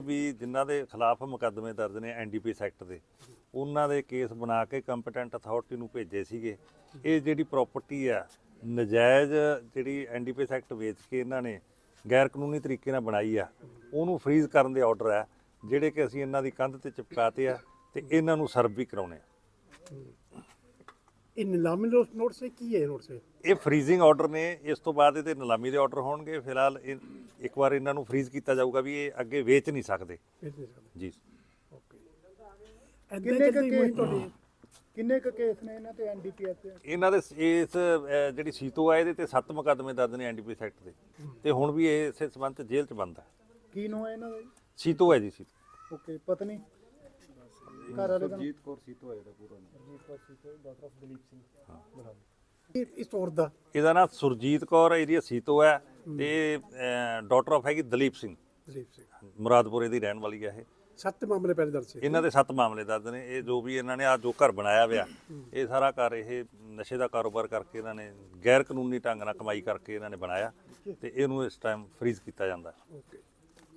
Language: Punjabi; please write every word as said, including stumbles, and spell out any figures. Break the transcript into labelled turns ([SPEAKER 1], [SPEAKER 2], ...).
[SPEAKER 1] ਵੀ ਜਿਨ੍ਹਾਂ ਦੇ ਖਿਲਾਫ ਮੁਕੱਦਮੇ ਦਰਜ ਨੇ ਐਨਡੀਪੀਐਸ ਐਕਟ ਦੇ, ਉਹਨਾਂ ਦੇ ਕੇਸ ਬਣਾ ਕੇ ਕੰਪੀਟੈਂਟ ਅਥਾਰਟੀ ਨੂੰ ਭੇਜੇ ਸੀਗੇ। ਇਹ ਜਿਹੜੀ ਪ੍ਰਾਪਰਟੀ ਆ ਨਜਾਇਜ਼ ਜਿਹੜੀ ਐਨਡੀਪੀਐਸ ਐਕਟ ਵੇਚ ਕੇ ਇਹਨਾਂ ਨੇ ਗੈਰ ਕਾਨੂੰਨੀ ਤਰੀਕੇ ਨਾਲ ਬਣਾਈ ਆ, ਉਹਨੂੰ ਫਰੀਜ਼ ਕਰਨ ਦੇ ਆਰਡਰ ਆ ਜਿਹੜੇ ਕਿ ਅਸੀਂ ਇਹਨਾਂ ਦੀ ਕੰਧ ਤੇ ਚਿਪਕਾਤੇ ਆ ਤੇ ਇਹਨਾਂ ਨੂੰ ਸਰਵ ਵੀ ਕਰਾਉਣੇ ਆ।
[SPEAKER 2] ਇਹ ਨਿਲਾਮੀ ਨੋਟ ਸੇ ਕੀ ਹੈ ਨੋਟ ਸੇ?
[SPEAKER 1] ਇਹ ਫਰੀਜ਼ਿੰਗ ਆਰਡਰ ਨੇ, ਇਸ ਤੋਂ ਬਾਅਦ ਇਹਦੇ ਨਿਲਾਮੀ ਦੇ ਆਰਡਰ ਹੋਣਗੇ। ਫਿਲਹਾਲ ਇਹ ਇੱਕ ਵਾਰ ਇਹਨਾਂ ਨੂੰ ਫਰੀਜ਼ ਕੀਤਾ ਜਾਊਗਾ ਵੀ ਇਹ ਅੱਗੇ ਵੇਚ ਨਹੀਂ ਸਕਦੇ ਜੀ।
[SPEAKER 2] ਕਿੰਨੇ ਕੁ ਕੇਸ ਤੁਹਾਡੇ ਕਿੰਨੇ ਕੁ ਕੇਸ ਨੇ ਇਹਨਾਂ ਤੇ ਐਨਡੀਪੀਐਸ ਤੇ?
[SPEAKER 1] ਇਹਨਾਂ ਦੇ ਇਸ ਜਿਹੜੀ ਸੀਤੋ ਆ ਇਹਦੇ ਤੇ ਸੱਤ ਮੁਕੱਦਮੇ ਦਰਜ ਨੇ ਐਨਡੀਪੀਐਸ ਐਕਟ ਦੇ, ਤੇ ਹੁਣ ਵੀ ਇਹ ਇਸੇ ਸੰਬੰਧ ਚ ਜੇਲ੍ਹ ਚ ਬੰਦ ਹੈ।
[SPEAKER 2] ਕੀ ਨਾਮ ਹੈ ਇਹਨਾਂ ਦਾ?
[SPEAKER 1] ਸੀਤੋ ਹੈ ਜੀ। ਸੀਤੋ
[SPEAKER 2] ਓਕੇ। ਪਤਨੀ ਘਰ ਵਾਲੇ ਦਾ
[SPEAKER 3] ਸੁਰਜੀਤ ਕੌਰ ਸੀਤੋ ਹੈ ਇਹਦਾ ਪੂਰਾ ਨਾਮ।
[SPEAKER 2] Surjit Kaur Seeto, doctor of Dalip Singh Brar. ਇਹ ਇਸ ਔਰਤ ਦਾ
[SPEAKER 1] ਇਹਦਾ ਨਾਮ ਸੁਰਜੀਤ ਕੌਰ ਏਰੀਆ ਸੀਤੋ ਹੈ ਤੇ ਡਾਕਟਰ ਆਫ ਹੈਗੀ ਦਲੀਪ ਸਿੰਘ,
[SPEAKER 2] ਦਲੀਪ ਸਿੰਘ
[SPEAKER 1] ਮੁਰਾਦਪੁਰੇ ਦੀ ਰਹਿਣ ਵਾਲੀ ਹੈ। ਇਹ
[SPEAKER 2] ਸੱਤ ਮਾਮਲੇ ਪਹਿਲੇ ਦਰਜ ਸੀ
[SPEAKER 1] ਇਹਨਾਂ ਦੇ ਸੱਤ ਮਾਮਲੇ ਦਰਜ ਨੇ। ਇਹ ਜੋ ਵੀ ਇਹਨਾਂ ਨੇ ਆ ਜੋ ਘਰ ਬਣਾਇਆ ਹੋਇਆ, ਇਹ ਸਾਰਾ ਘਰ ਇਹ ਨਸ਼ੇ ਦਾ ਕਾਰੋਬਾਰ ਕਰਕੇ ਇਹਨਾਂ ਨੇ ਗੈਰ ਕਾਨੂੰਨੀ ਢੰਗ ਨਾਲ ਕਮਾਈ ਕਰਕੇ ਇਹਨਾਂ ਨੇ ਬਣਾਇਆ ਤੇ ਇਹਨੂੰ ਇਸ ਟਾਈਮ ਫਰੀਜ਼ ਕੀਤਾ ਜਾਂਦਾ।
[SPEAKER 2] ਓਕੇ।